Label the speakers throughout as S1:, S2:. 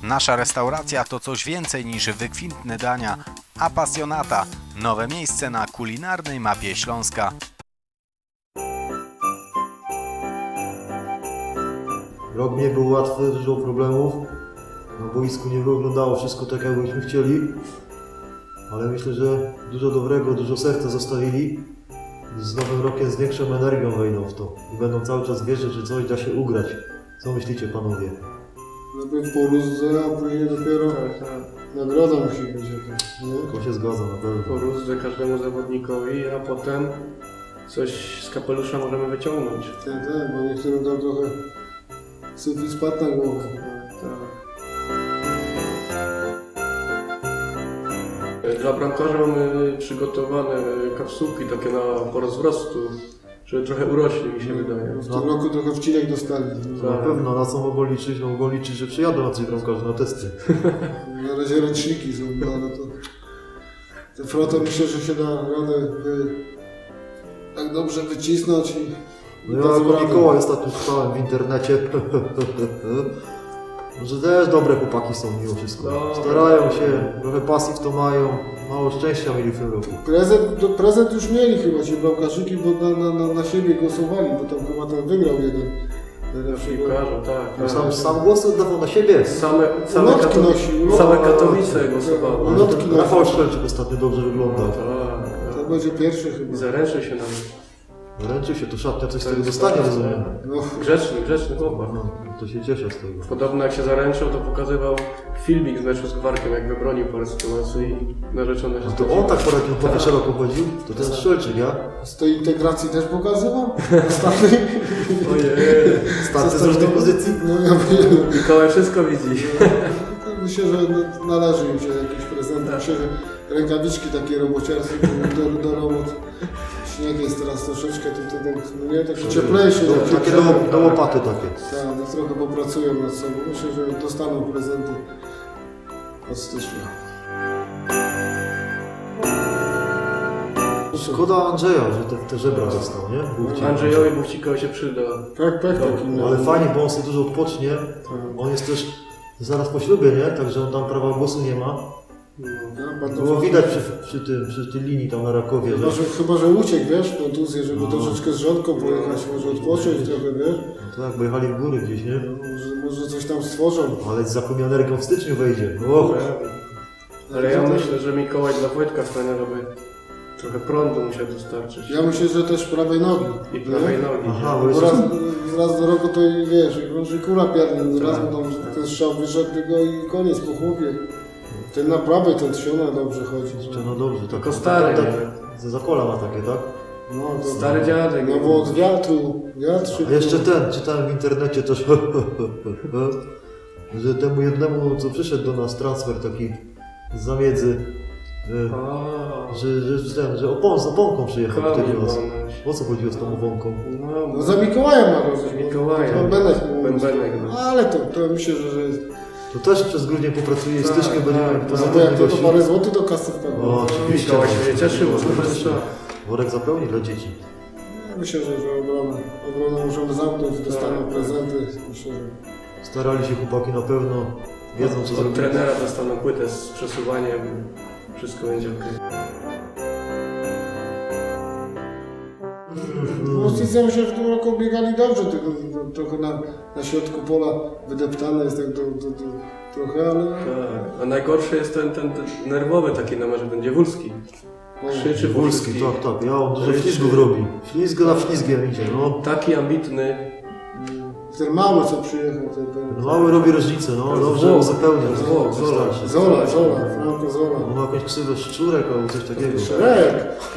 S1: Nasza restauracja to coś więcej niż wykwintne dania. Apasjonata. Nowe miejsce na kulinarnej mapie Śląska.
S2: Rok nie był łatwy, dużo problemów. Na boisku nie wyglądało wszystko tak, jak byśmy chcieli. Ale myślę, że dużo dobrego, dużo serca zostawili. Z nowym rokiem z większą energią wejdą w to. I będą cały czas wierzyć, że coś da się ugrać. Co myślicie, panowie?
S3: Najpierw porózdze, a później dopiero nagroda musi być jakaś, nie?
S2: To się zgadza na pewno.
S4: Porózdze każdemu zawodnikowi, a potem coś z kapelusza możemy wyciągnąć.
S3: Tak, bo niektórym tam trochę sufit spadł na głowę.
S4: Dla bramkarza mamy przygotowane kapsułki takie po rozrostu, żeby trochę urośli, mi się wydaje.
S3: W tym roku trochę wcinek dostali.
S2: Na pewno, na co mogą liczyć? No mogą liczyć, że przyjadą na coś bramkarzy na testy.
S3: Na razie ręczniki są, no to... Te frotę myślę, że się da radę tak dobrze wycisnąć i...
S2: No ja jako Mikołaj ostatnio czytałem w internecie, że też dobre chłopaki są mimo wszystko. Starają się, trochę pasji w to mają, mało szczęścia mieli w tym roku.
S3: Prezent już mieli chyba ci bramkarzyki, bo na siebie głosowali, bo tam chyba ten wygrał jeden.
S4: Piłkarza, tak.
S2: Sam głos oddawał na siebie.
S4: Same Katowice głosowały.
S2: Rafał Szwelczyk ostatnio dobrze wyglądał.
S3: To będzie pierwszy chyba.
S4: Zaręczył się nawet.
S2: Wręczył się, to szatnia coś z tego dostanie, rozumiem.
S3: No.
S4: Grzeczny chłopak.
S2: No, to się cieszę z tego.
S4: Podobno jak się zaręczył, to pokazywał filmik z meczu z Gwarkiem, jak wybronił parę sytuacji i narzeczona się
S2: To on tak po Rakiem szeroko chodził? To ten Szwelczyk, ja?
S3: Z tej integracji też pokazywał? Ostatni?
S4: Ojej.
S2: Starty z różnych pozycji?
S3: No ja wiem.
S4: Mikołaj wszystko widzi.
S3: Myślę, że należy im się jakiś prezent. Myślę, że rękawiczki takie robociarskie do robot. Śnieg jest teraz troszeczkę, no nie, takie cieplejsze.
S2: Takie do łopaty takie.
S3: Tak, no trochę popracują nad sobą. Myślę, że dostaną prezenty od stycznia.
S2: Szkoda Andrzeja, że te żebra dostał, nie? Buchcik.
S4: Andrzejowi Buchcikowi się przyda.
S3: Tak, taki.
S2: No, ale fajnie, bo on sobie dużo odpocznie. On jest też zaraz po ślubie, nie? Także on tam prawa głosu nie ma. Było widać przy tej linii tam na Rakowie,
S3: Chyba, że uciekł, wiesz, kontuzję, żeby troszeczkę z żonką pojechać, może odpocząć trochę, wiesz.
S2: No tak, bo jechali w góry gdzieś, nie?
S3: Może coś tam stworzą.
S2: Ale z zakupią energią w styczniu wejdzie.
S4: Ale ja myślę, że Mikołaj dla Wojtka Staniera by trochę prądu musiał dostarczyć.
S3: Ja myślę, że też prawej nogi.
S4: I prawej nogi.
S2: Aha,
S3: Bo
S2: bo
S3: raz do roku to i wiesz, i krąży kula piarny, raz mu tam ten strzał wyszedł tylko i koniec po chłopie. Ten na prawej, ten Trzciona dobrze chodzi.
S2: no dobrze, tak.
S4: Tylko stary,
S2: Za zakola ma takie, tak?
S3: No, to,
S4: Stary dziadek.
S3: No bo od wiatru,
S2: A jeszcze czytałem w internecie też, że temu jednemu, co przyszedł do nas, transfer taki z zamiedzy, że z oponką przyjechał tutaj do nas. O co chodziło z tą oponką?
S3: No za Mikołaja ma rozumiem.
S4: Mikołaja.
S3: Bębenek.
S4: No.
S3: Ale to myślę, że jest...
S2: To też przez grudzień popracuje i w styczniu będziemy
S3: No bo
S2: pozytywnie
S3: jak to
S2: gości.
S3: parę złotych do kasy wpadło.
S2: O, oczywiście.
S4: Mikołaj się nie cieszył,
S2: Worek zapełni dla dzieci.
S3: Myślę, że obronę możemy zamknąć, dostaną prezenty. Myślę, że...
S2: Starali się chłopaki na pewno, wiedzą co
S4: Od
S2: zrobić.
S4: trenera dostaną płytę z przesuwaniem, wszystko będzie ok.
S3: Mocnicy myślę, że w tym roku biegali dobrze, tylko trochę na środku pola wydeptane jest tak trochę, ale...
S4: Tak. A najgorszy jest ten nerwowy taki na merze, ten Dziewulski. Krzyczy
S2: Wólski, tak, ja on dużo ślizgów robi. Ślizg na ślizgiem idzie, no.
S4: Taki ambitny.
S3: Ten mały co przyjechał,
S2: No, mały robi różnicę, no, dobrze uzupełnia.
S3: Zola, Franco Zola.
S2: On ma jakąś ksywę szczurek albo coś takiego.
S3: Szereg!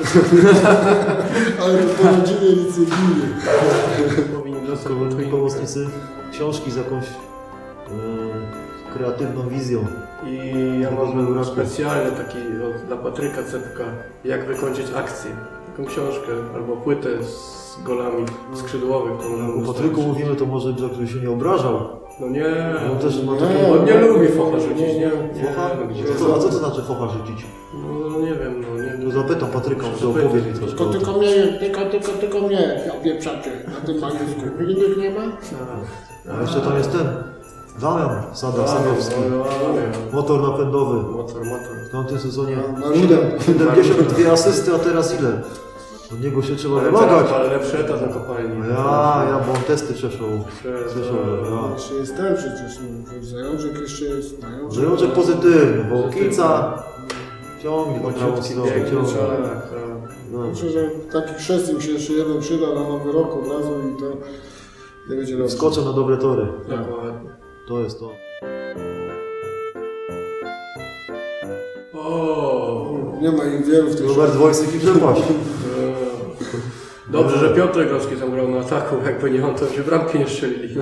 S3: Ale to po rodzinie nic nie bije.
S4: Powinni dostać
S2: Szkolni pomocnicy, książki z jakąś kreatywną wizją.
S4: I ja mam specjalny taki dla Patryka Cepka, jak wykończyć akcję. Taką książkę albo płytę z golami skrzydłowych.
S2: O Patryku mówimy, to może żeby się nie obrażał.
S4: No nie,
S2: On też ma takie...
S4: on nie lubi focha rzucić, nie?
S2: Focha? A co to znaczy focha rzucić?
S4: No nie wiem,
S2: To zapytam Patryka, może opowie mi troszkę o tym.
S3: Tylko mnie, ja pieprzacie na tym mańsku. Innych nie ma?
S2: A jeszcze tam jest ten, Damian Sadowski. Motor napędowy.
S4: Motor.
S2: W tamtym sezonie
S3: Marudem.
S2: 72 asysty, a teraz ile? Od niego się trzeba
S4: Ale
S2: wymagać.
S4: teraz ma lepszy etat na kopalni.
S2: Bo on testy przeszło.
S3: Jeszcze jest ten przecież, no, Zajączek jeszcze jest.
S2: Zajączek pozytywny, bo Kica ciągnie na prawą stronę. ciągnie. No.
S3: Myślę, że taki chrzest im się jeszcze jeden przyda na nowy rok od razu i to nie będzie dobrze.
S2: Skoczę na dobre tory.
S4: Dokładnie.
S2: To jest to.
S4: O.
S3: Nie ma ich wielu w tych
S2: Robert Wojsyk i przepaść.
S4: Dobrze, że Piotrek Rowski tam grał na ataku, jakby nie on, to się bramki nie strzelili.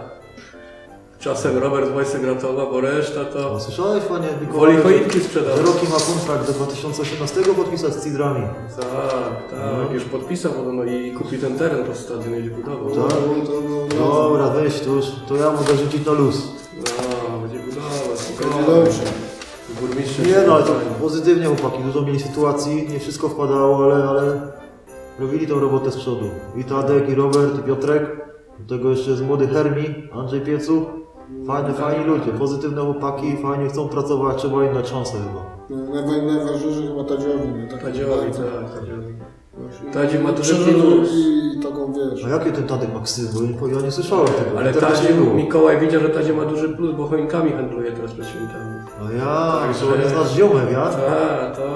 S4: Czasem Robert Wojsek ratował, bo reszta to
S2: Słyszałeś, panie
S4: woli
S2: Mikołaju,
S4: choinki sprzedał.
S2: że Roki ma kontrakt do 2018 podpisać z Cidrami.
S4: Tak, już podpisał podobno i kupi ten teren pod stadion i budował.
S2: Tak. Dobra, weź to już, to ja mogę rzucić na luz.
S4: No, będzie budował,
S3: Będzie dobrze.
S4: Burmistrz.
S2: Nie no, ale to pozytywnie chłopaki, dużo mieli sytuacji, nie wszystko wpadało, ale robili tą robotę z przodu. I Tadek, i Robert, i Piotrek, do tego jeszcze jest młody Hermi, Andrzej Piecuch. Fajni ludzie, pozytywne chłopaki, fajnie chcą pracować, trzeba im dać szansę chyba.
S3: Najważniejsze chyba Tadziowi, nie?
S4: Tadziowi, tak, Tadziowi. Tadzi ma duży
S3: Przeżył
S4: plus.
S3: i taką wiesz.
S2: A jakie ten Tadek ma ksy? Bo ja nie słyszałem tego.
S4: Ale
S2: Teraz
S4: Tadzi,
S2: nie było.
S4: Mikołaj widział, że Tadzi ma duży plus, bo choinkami handluje teraz przed świętami.
S2: A ja,
S4: Także-
S2: to jest nasz ziomek, ja?
S4: Tak, to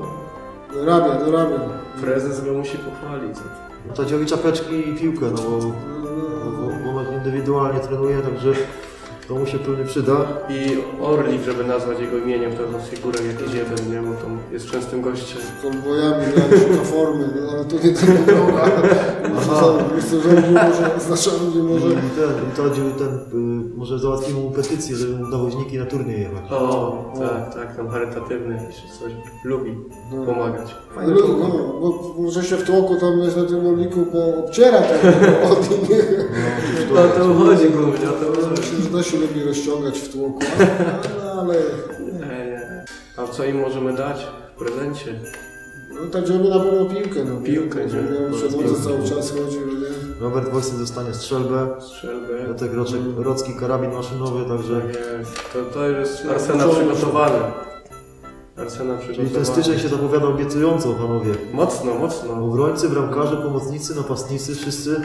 S3: Dorabia.
S4: prezes go musi pochwalić.
S2: Tadziowi czapeczki i piłkę, no bo indywidualnie trenuje, także to mu się pewnie przyda.
S4: I Orlik, żeby nazwać jego imieniem, to jest figurę jakiś jeden, nie? Bo tam jest częstym gościem.
S3: Z bojami grali, szuka formy, no, ale to nie tylko droga. Myślę, że nie może, nie może.
S2: I Tadziu może załatwimy mu petycję, żeby mu nawoźniki na turniej jechać.
S4: O, tak, tam charytatywny jakiś coś. Lubi pomagać.
S3: No, bo może się w tłoku tam jest na tym orliku poobciera od innych.
S4: O to chodzi, głównie, o to chodzi.
S3: Myślę, że to się lubi rozciągać w tłoku, ale
S4: Nie. A co im możemy dać w prezencie?
S3: no, tak żeby na pewno piłkę. No.
S4: Piłkę, nie?
S3: Żeby przed cały czas chodził, nie?
S2: Robert Wojsyk dostanie strzelbę,
S4: Strzelbę.
S2: Piotrek Rocki karabin maszynowy, także...
S4: Jest. To już jest Arsena przygotowane. Arsena
S2: Czyli
S4: przygotowana.
S2: ten styczeń się zapowiada obiecująco, panowie.
S4: Mocno.
S2: Obrońcy, bramkarze, pomocnicy, napastnicy, wszyscy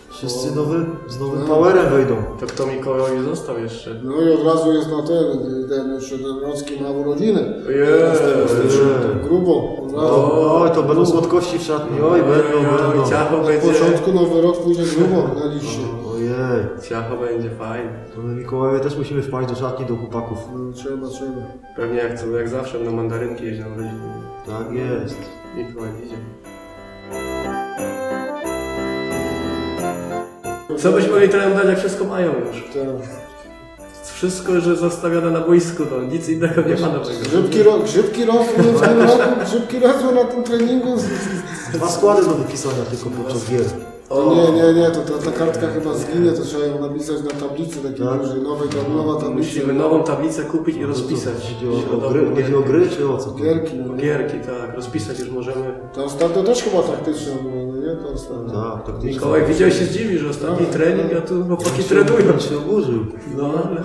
S2: z nowym powerem wejdą.
S4: To kto Mikołajowi został jeszcze?
S3: No i od razu jest na ten jeszcze ten Rocki ma urodziny.
S4: Jest.
S3: Grubo, od razu.
S2: Oj, to będą słodkości w szatni, oj, będą.
S4: Ciacho
S3: W
S4: będzie.
S3: początku nowy rok, później grubo na liście.
S2: Ojej,
S4: Ciacho będzie fajnie.
S2: to my Mikołaje też musimy wpaść do szatni, do chłopaków.
S3: No, trzeba.
S4: Pewnie jak zawsze na mandarynki jeździ na urodziny.
S2: Tak jest.
S4: Mikołaj idzie. Co byśmy mieli trenerom dać, jak wszystko mają już?
S3: Tak.
S4: Wszystko już jest zostawione na boisku, no nic innego nie ma nowego.
S3: Grzybki rosły w tym roku, grzybki rosły na tym treningu.
S2: 2 składy do wypisania tylko podczas gier.
S3: O nie, to ta kartka chyba zginie, to trzeba ją napisać na tablicy takiej
S2: Tak.
S3: dużej, nowa tablica.
S4: Musimy nową tablicę kupić i rozpisać.
S2: Chodzi o gry, czy o co?
S3: Gierki. No, nie?
S4: Gierki, tak, rozpisać już możemy.
S3: To ostatnio też chyba taktyczne było, no nie? To ostatnio.
S2: Tak, taktycznie.
S4: Mikołaj widział, się zdziwi, że ostatni trening, a tu chłopaki trenują.
S2: On się oburzył.
S4: No, ale...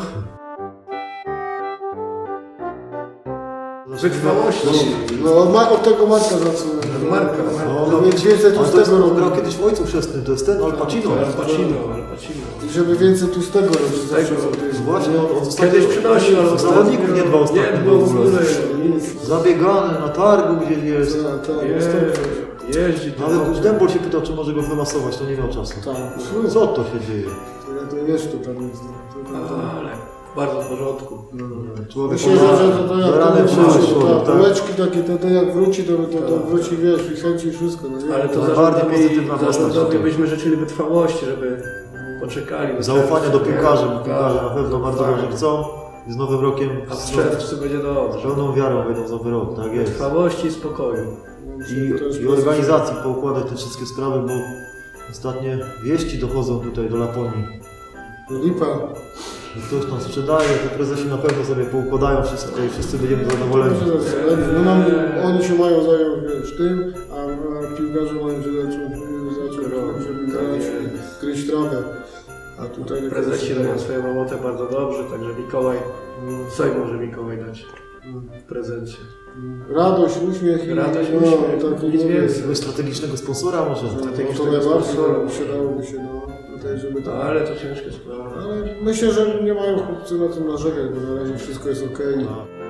S4: Wytrwałości.
S3: No od tego Marka zaczynamy.
S4: Marka.
S3: No mieć więcej
S2: Ale to jest,
S3: tłustego
S2: on grał
S3: robić.
S2: kiedyś w Ojcu Chrzestnym, to jest ten Al Pacino.
S4: Al Pacino.
S3: I żeby więcej tłustego robić.
S4: Tego.
S2: Właśnie, on
S4: Kiedyś przynosił, ale
S2: zawodników nie dbał
S4: Nie
S2: ostatnio
S4: dbał
S2: w ogóle.
S3: Nic.
S2: Zabiegany na targu gdzieś jest.
S4: Jeździ.
S2: Nawet już Dębol się pytał, czy może go wymasować, to nie miał czasu.
S3: Tak.
S2: Co to się dzieje?
S3: To wiesz, to tam jest.
S4: Ale bardzo w porządku.
S2: Człowiek
S3: Myślę, że to
S2: do rany
S3: jak
S2: przyszło,
S3: to
S2: tak.
S3: bułeczki takie, to jak wróci, to wróci, wiesz, i chęci i wszystko. No, nie?
S4: Ale to
S2: Najbardziej pozytywna postać.
S4: zarządowi byśmy życzyli wytrwałości, żeby poczekali.
S2: Zaufanie do piłkarzy, bo
S4: Tak,
S2: piłkarze na pewno bardzo
S4: tak.
S2: dobrze chcą. I z nowym rokiem
S4: A w
S2: z
S4: czerwcu będzie dobrze.
S2: pełną wiarą wejdą w nowy rok, tak jest.
S4: Wytrwałości i spokoju.
S2: I organizacji poukładać te wszystkie sprawy, bo ostatnie wieści dochodzą tutaj do Laponii.
S3: Lipa.
S2: Ktoś tam sprzedaje, to prezesi na pewno sobie poukładają wszystko i wszyscy będziemy zadowoleni.
S3: No oni się mają zająć, wiesz, tym, a piłkarze mają się zacząć, żeby grać, kryć trawę. A tutaj nie
S4: Prezesi robią swoją robotę bardzo dobrze, także Mikołaj, co im może Mikołaj dać w prezencie?
S3: Radość, uśmiech i
S4: Radość,
S3: no,
S4: uśmiech,
S3: taki
S4: nic więcej.
S2: Jakiegoś strategicznego sponsora może?
S3: No, to
S4: strategicznego
S3: najbardziej
S4: sponsora.
S3: przydałoby się, no, tutaj, żeby
S4: No,
S3: tak.
S4: ale to ciężka sprawa.
S3: Ale myślę, że nie mają chłopcy na tym narzekać, bo na razie wszystko jest okej.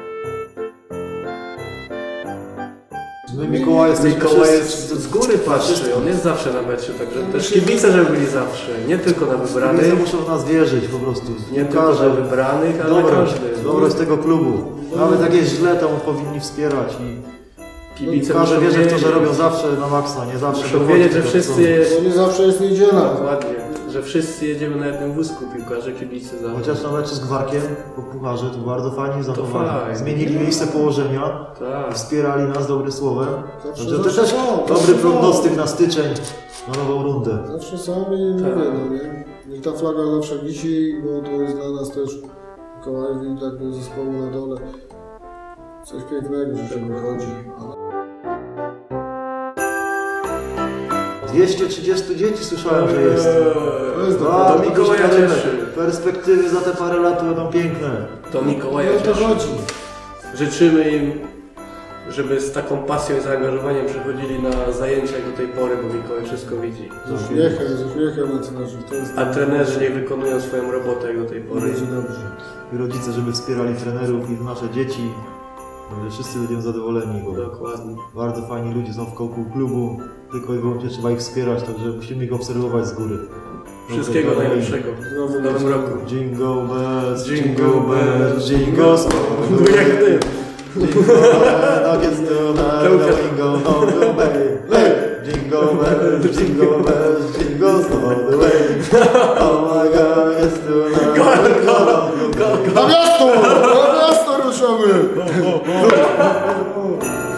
S2: My Mikołaj jesteśmy
S4: Mikołaj
S2: wszyscy-
S4: jest z góry patrzy, on jest zawsze na mecie, także też kibice, żeby byli zawsze, nie tylko na
S2: Kibice
S4: wybranych,
S2: muszą w nas wierzyć po prostu.
S4: nie tylko na wybranych, ale na każdy.
S2: Dobroć tego klubu. Nawet jak jest źle, to powinni wspierać i
S4: Kibice
S2: każdy
S4: muszą
S2: wierzy w to, że
S4: wiedzieć,
S2: robią zawsze na maksa, nie zawsze.
S4: muszą
S2: dochodzi
S4: wiedzieć, że
S2: do
S4: wszyscy,
S3: Bo nie zawsze jest niedziela.
S4: dokładnie, że wszyscy jedziemy na jednym wózku, piłkarze, kibice
S2: co.
S4: zawsze.
S2: Chociaż na meczu z Gwarkiem po pucharze to bardzo fajnie zachowali.
S4: fajnie.
S2: Zmienili miejsce położenia,
S4: Tak.
S2: wspierali nas dobrym słowem.
S3: Zawsze-
S2: Także to
S3: zawsze
S2: też
S3: są,
S2: dobry
S3: zawsze są.
S2: prognostyk na styczeń, na nową rundę.
S3: Zawsze są i mówię, no nie? Niech ta flaga zawsze wisi, bo to jest dla nas też Mikołajowi, tak do zespołu na dole. Coś pięknego, że się wychodzi.
S2: 230 dzieci słyszałem, że jest.
S3: To jest
S2: No,
S3: dobre.
S4: to Mikołaja
S2: duże
S4: cieszy.
S2: perspektywy za te parę lat będą piękne.
S4: To Mikołaja
S3: No to
S4: cieszy.
S3: chodzi.
S4: Życzymy im, żeby z taką pasją i zaangażowaniem przychodzili na zajęcia jak do tej pory, bo Mikołaj wszystko widzi.
S3: Z uśmiechem na twarzy. To jest
S4: A trenerzy niech wykonują swoją robotę jak do tej pory.
S3: Będzie dobrze.
S2: I rodzice, żeby wspierali trenerów i nasze dzieci. Że wszyscy będziemy zadowoleni, bo
S4: Dokładnie.
S2: bardzo fajni ludzie są wokół klubu. Tylko i wyłącznie trzeba ich wspierać, także musimy ich obserwować z góry.
S4: Wszystkiego
S2: Dobrze,
S4: najlepszego w nowym roku.
S2: Jingle bells,
S4: Jingle
S2: jingle bells, jingle all
S4: No jak ty.
S2: nuggets to the jingle all the way. Jingle bells, jingle bells, jingle all the way. Oh my God, it's to the
S3: Na miasto! Na miasto ruszamy!